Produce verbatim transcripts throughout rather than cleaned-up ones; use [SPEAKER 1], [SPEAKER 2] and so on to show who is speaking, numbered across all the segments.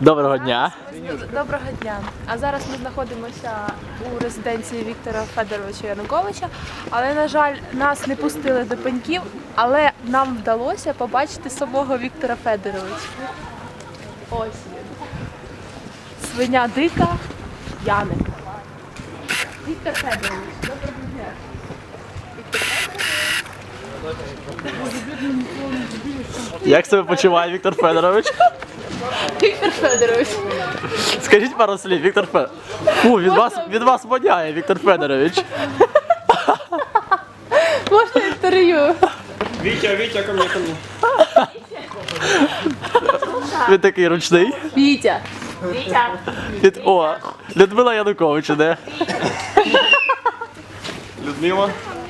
[SPEAKER 1] Доброго дня.
[SPEAKER 2] Доброго дня. А зараз ми знаходимося у резиденції Віктора Федоровича Януковича, але, на жаль, нас не пустили до пеньків, але нам вдалося побачити самого Віктора Федоровича. Ось він. Свиня дика Яник. Віктор Федорович, доброго дня. Віктор Федорович.
[SPEAKER 1] Як себе почуває Віктор Федорович?
[SPEAKER 2] Віктор Федорович.
[SPEAKER 1] Скажіть пару слів, Віктор Федорович. Фу, від вас, від вас воняє, Віктор Федорович.
[SPEAKER 2] Можна інтерв'ю?
[SPEAKER 3] Витя, Витя, ко мне, ко мне.
[SPEAKER 1] Він такий ручний.
[SPEAKER 2] Вітя.
[SPEAKER 1] Від, о, Людмила Янукович іде.
[SPEAKER 3] Людмила.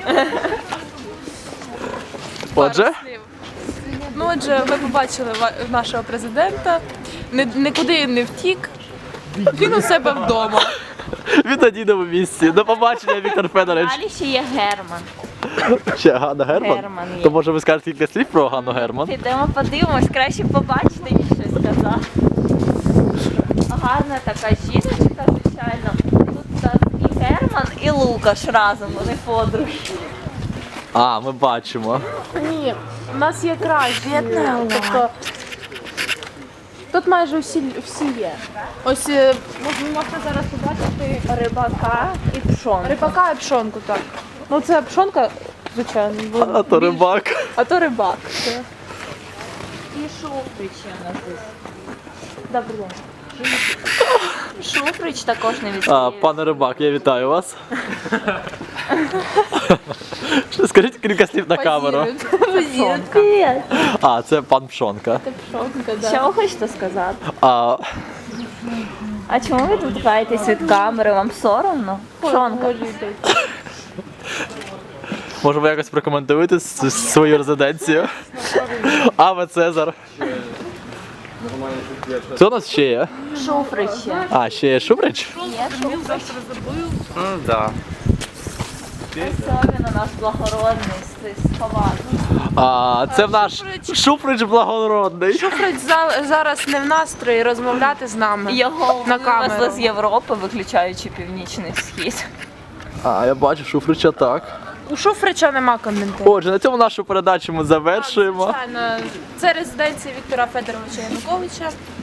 [SPEAKER 1] Отже,
[SPEAKER 2] Ну, отже, ви побачили ва- нашого президента. Ні- Нікуди він не втік. Він у себе вдома.
[SPEAKER 1] він на дійному місці. До побачення, Віктор Федорович.
[SPEAKER 4] Далі ще є Герман.
[SPEAKER 1] Ще Ганна Герман?
[SPEAKER 4] Герман є.
[SPEAKER 1] То може ви скажете кілька слів про Ганну Герман?
[SPEAKER 4] Підемо подивимось, краще побачити, ніж щось сказати. Гарна така жіночка, звичайно. Тут у нас і Герман, і Лукаш разом, вони подруги.
[SPEAKER 1] А, ми бачимо.
[SPEAKER 2] Ні, у нас є кращі. Тобто, тут майже всі, всі є. Ось е, ви можете зараз побачити
[SPEAKER 4] Рибака і пшон.
[SPEAKER 2] рибака і пшонку, так. Ну це пшонка, звичайно. бо
[SPEAKER 1] А то
[SPEAKER 2] більш-
[SPEAKER 1] рибак.
[SPEAKER 2] А то рибак. Це.
[SPEAKER 4] І Шуфрич є у нас тут. Добрий день. Шуфрич також не
[SPEAKER 1] А,
[SPEAKER 4] відповів.
[SPEAKER 1] пане рибак, я вітаю вас. Що, скажіть кілька слів на камеру.
[SPEAKER 4] Привіт.
[SPEAKER 1] А, це пан Пшонка.
[SPEAKER 2] Пшонка, да.
[SPEAKER 4] Що ви хочете сказати?
[SPEAKER 1] А,
[SPEAKER 4] А чому ви тут каєтесь від камери? Вам соромно? Пшонка.
[SPEAKER 1] може ви якось прокоментуєте с- свою резиденцію? Аве Цезар. Хто у нас ще є?
[SPEAKER 4] Шуфрич є.
[SPEAKER 1] А, ще є Шубрич?
[SPEAKER 4] Є Шуфрич.
[SPEAKER 3] Да.
[SPEAKER 4] Ось він у нас благородний, с- сховатий.
[SPEAKER 1] А, це в наш Шуфрич благородний.
[SPEAKER 2] Шуфрич за- зараз не в настрої розмовляти з нами.
[SPEAKER 4] Його
[SPEAKER 2] На
[SPEAKER 4] вивезли
[SPEAKER 2] камеру.
[SPEAKER 4] з Європи, виключаючи Північний Схід.
[SPEAKER 1] А, я бачу Шуфрича так.
[SPEAKER 2] У Шуфрича нема коментарів.
[SPEAKER 1] Отже, на цьому нашу передачу ми завершуємо.
[SPEAKER 2] Звичайно, це резиденція Віктора Федоровича Януковича.